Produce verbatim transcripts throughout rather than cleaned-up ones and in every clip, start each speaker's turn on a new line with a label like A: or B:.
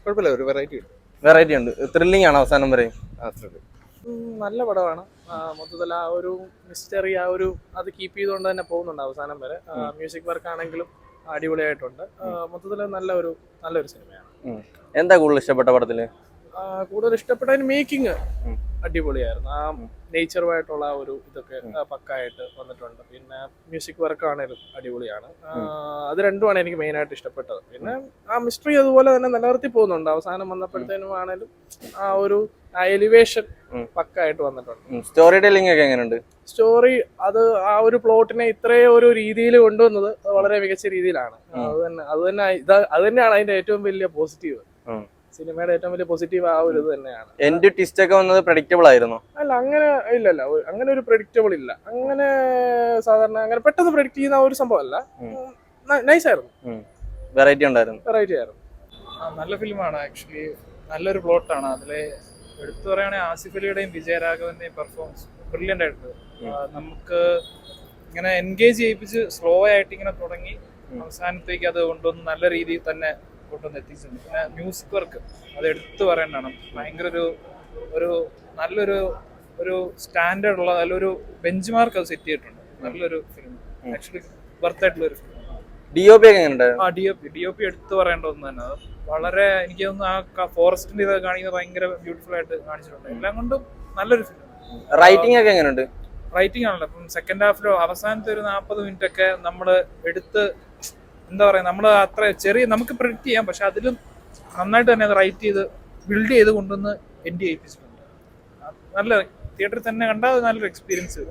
A: കുഴപ്പമില്ല, ഒരു വെറൈറ്റി ഉണ്ട്.
B: വെറൈറ്റി ഉണ്ട്. ത്രില്ലിംഗ് ആണ് അവസാനം വരെ.
A: ആ ത്രില്ല്
C: നല്ല പടമാണ്. മൊത്തത്തിൽ ആ ഒരു മിസ്റ്ററി ആ ഒരു അത് കീപ്പ് ചെയ്തുകൊണ്ട് തന്നെ പോകുന്നുണ്ട് അവസാനം വരെ. മ്യൂസിക് വർക്ക് ആണെങ്കിലും അടിപൊളിയായിട്ടുണ്ട്. മൊത്തത്തിൽ നല്ല ഒരു നല്ലൊരു സിനിമയാണ്.
B: എന്താ കൂടുതൽ ഇഷ്ടപ്പെട്ട പടത്തില്?
C: കൂടുതൽ ഇഷ്ടപ്പെട്ടതിന് മേക്കിംഗ് അടിപൊളിയായിരുന്നു. ആ നേച്ചറുമായിട്ടുള്ള ആ ഒരു ഇതൊക്കെ പക്കായിട്ട് വന്നിട്ടുണ്ട്. പിന്നെ മ്യൂസിക് വർക്ക് ആണേലും അടിപൊളിയാണ്. അത് രണ്ടുമാണ് എനിക്ക് മെയിനായിട്ട് ഇഷ്ടപ്പെട്ടത്. പിന്നെ ആ മിസ്റ്ററി അതുപോലെ തന്നെ നിലനിർത്തി പോകുന്നുണ്ട്. അവസാനം വന്നപ്പോഴത്തേനും ആണേലും ആ ഒരു എലിവേഷൻ പക്കായിട്ട് വന്നിട്ടുണ്ട്.
B: സ്റ്റോറി ടെല്ലിംഗ് ഒക്കെ എങ്ങനെയുണ്ട്?
C: സ്റ്റോറി അത് ആ ഒരു പ്ലോട്ടിനെ ഇത്രയും ഒരു രീതിയിൽ കൊണ്ടുവന്നത് വളരെ മികച്ച രീതിയിലാണ്. അത് തന്നെ അത് തന്നെ അത് തന്നെയാണ് അതിന്റെ ഏറ്റവും വലിയ പോസിറ്റീവ്. സിനിമയുടെ ഏറ്റവും വലിയ പോസിറ്റീവ് ആ ഒരു ഇത് തന്നെയാണ്.
B: എൻഡ് ട്വിസ്റ്റ് ഒക്കെ വന്നത് പ്രഡിക്റ്റബിൾ ആയിരുന്നു?
C: അല്ല, അങ്ങനെ ഇല്ലല്ല, അങ്ങനെ ഒരു പ്രഡിക്റ്റബിൾ ഇല്ല. അങ്ങനെ സാധാരണ അങ്ങനെ പെട്ടെന്ന് പ്രഡിക്റ്റ് ചെയ്യുന്ന ഒരു സംഭവം അല്ല. നൈസ് ആയിരുന്നു,
B: വെറൈറ്റി ഉണ്ടായിരുന്നു.
C: വെറൈറ്റി ആയിരുന്നു.
D: നല്ല ഫിലിമാണ് ആക്ച്വലി. നല്ലൊരു പ്ലോട്ടാണ്. അതിലെ എടുത്തു പറയുകയാണെങ്കിൽ ആസിഫ് അലിയുടെയും വിജയരാഘവന്റെയും പെർഫോമൻസ് ബ്രില്യൻ്റ് ആയിട്ടുണ്ട്. നമുക്ക് ഇങ്ങനെ എൻഗേജ് ചെയ്യിപ്പിച്ച് സ്ലോ ആയിട്ട് ഇങ്ങനെ തുടങ്ങി അവസാനത്തേക്ക് അത് കൊണ്ടുവന്ന് നല്ല രീതിയിൽ തന്നെ കൊണ്ടുവന്ന് എത്തിച്ചിട്ടുണ്ട്. പിന്നെ മ്യൂസിക് വർക്ക് അത് എടുത്തു പറയേണ്ടതാണ്. ഭയങ്കര ഒരു ഒരു നല്ലൊരു ഒരു സ്റ്റാൻഡേർഡ് ഉള്ള നല്ലൊരു ബെഞ്ച് മാർക്ക് അത് സെറ്റ് ചെയ്തിട്ടുണ്ട്. നല്ലൊരു ഫിലിം, ആക്ച്വലി വർത്ത് ആയിട്ടുള്ള ഒരു ഫിലിം.
B: ഡി ഒ പി ഒക്കെ എങ്ങനെയുണ്ട്?
D: ആ D O P D O P എടുത്തു പറയേണ്ട ഒന്ന് തന്നെ. അത് വളരെ എനിക്ക് തോന്നുന്നു ആ ഫോറസ്റ്റിന്റെ ഇത് കാണിക്കുന്നത് ഭയങ്കര ബ്യൂട്ടിഫുൾ ആയിട്ട് കാണിച്ചിട്ടുണ്ട്. എല്ലാം കൊണ്ടും നല്ലൊരു ഫിലിം.
B: റൈറ്റിംഗ് ഒക്കെ എങ്ങനെയുണ്ട്?
D: റൈറ്റിംഗ് ആണല്ലോ. അപ്പം സെക്കൻഡ് ഹാഫിലോ അവസാനത്തെ ഒരു നാൽപ്പത് മിനിറ്റ് ഒക്കെ നമ്മൾ എടുത്ത് എന്താ പറയുക, നമ്മൾ അത്ര ചെറിയ നമുക്ക് പ്രിഡിക്റ്റ് ചെയ്യാം, പക്ഷെ അതിലും നന്നായിട്ട് തന്നെ അത് റൈറ്റ് ചെയ്ത് ബിൽഡ് ചെയ്ത് കൊണ്ടുവന്ന് എൻഡ് ചെയ്യിപ്പിച്ചിട്ടുണ്ട്. നല്ല തിയേറ്ററിൽ തന്നെ കണ്ടാൽ നല്ലൊരു എക്സ്പീരിയൻസ്.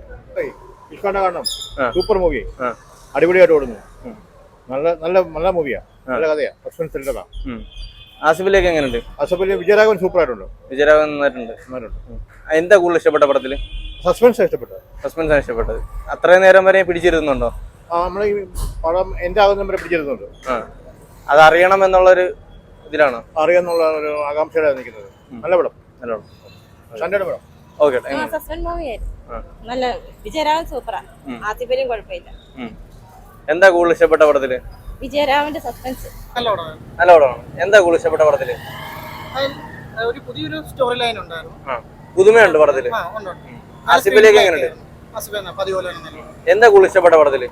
A: കാണണം. സൂപ്പർ മൂവി, അടിപൊളിയായിട്ട് ഓടുന്നു. നല്ല നല്ല നല്ല മൂവിയാ, നല്ല കഥയാ, സസ്പെൻസ് ത്രില്ലറാ.
B: ആസിഫിലേക്ക് എങ്ങനെയുണ്ട്?
A: ആസിഫിലെ വിജയരാഘവൻ സൂപ്പർ ആയിട്ടുണ്ട്.
B: വിജയരാഘവൻ നന്നായിട്ടുണ്ട്. എന്താ കൂടുതൽ ഇഷ്ടപ്പെട്ട പടത്തില്?
A: സസ്പെൻസ് ഇഷ്ടപ്പെട്ടത്.
B: സസ്പെൻസ് ആണ് ഇഷ്ടപ്പെട്ടത്. അത്രയും നേരം വരെ പിടിച്ചിരുന്നുണ്ടോ?
A: ആ, നമ്മളെ ഈ പടം എന്റെ ആകുന്ന വരെ പിടിച്ചിരുന്നുണ്ട്.
B: അത് അറിയണം എന്നുള്ളൊരു ഇതിലാണ്,
A: അറിയാന്നുള്ള ഒരു ആകാംക്ഷയിലാണ് നിൽക്കുന്നത്. നല്ല പടം, നല്ല പടം, സ്റ്റാൻഡേർഡ് പടം.
B: ഓക്കെ.
E: സസ്പെൻസ് മൂവിയായിരുന്നു. നല്ല വിജയരാഘവൻ സൂപ്പറാ. ആസിഫലിയും കുഴപ്പമില്ല.
B: എന്താ കൂടുതൽ ഇഷ്ടപ്പെട്ട പടത്തില്?
E: വിജയരാഘവന്റെ സസ്പെൻസ്
C: നല്ല പടമാണ്.
B: നല്ല പടമാണ്. എന്താ കൂടുതൽ ഇഷ്ടപ്പെട്ട പടത്തില്?
C: ഒരു പുതിയൊരു സ്റ്റോറി ലൈൻ ഉണ്ടായിരുന്നു.
B: പുതുമയുണ്ട് പടത്തില്. ആസിഫിലേക്ക് എങ്ങനെയുണ്ട്? എന്താ കൂടുതൽ ഇഷ്ടപ്പെട്ട പടത്തില്?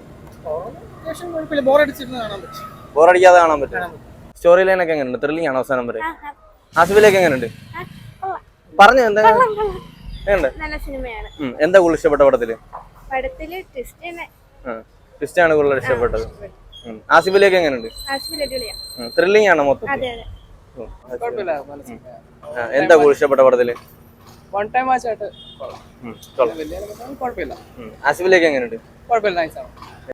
B: ബോറടിക്കാതെ കാണാൻ പറ്റും. സ്റ്റോറി ലൈൻ ഒക്കെ എങ്ങനെയുണ്ട്? ത്രില്ലിംഗ് ആണ് അവസാനം വരെ. ആസിഫിലേക്ക് എങ്ങനെയുണ്ട്? പറഞ്ഞു. എന്താ
E: നല്ല സിനിമയാണ്.
B: എന്താ കൂടുതൽ ഇഷ്ടപ്പെട്ട പടത്തില്?
E: പടത്തില്
B: ട്വിസ്റ്റ് ആണ് കൂടുതൽ ഇഷ്ടപ്പെട്ടത്. ആസിഫിലേക്ക് എങ്ങനെയുണ്ട്? ത്രില്ലിംഗ് ആണോ മൊത്തം? എന്താ കൂടുതൽ ഇഷ്ടപ്പെട്ട പടത്തില്?
C: വൺ ടൈം വാച്ച് ആയിട്ട്
B: ആസിഫിലേക്ക് എങ്ങനെയുണ്ട്?
C: കുഴപ്പമില്ല, നൈസാണ്.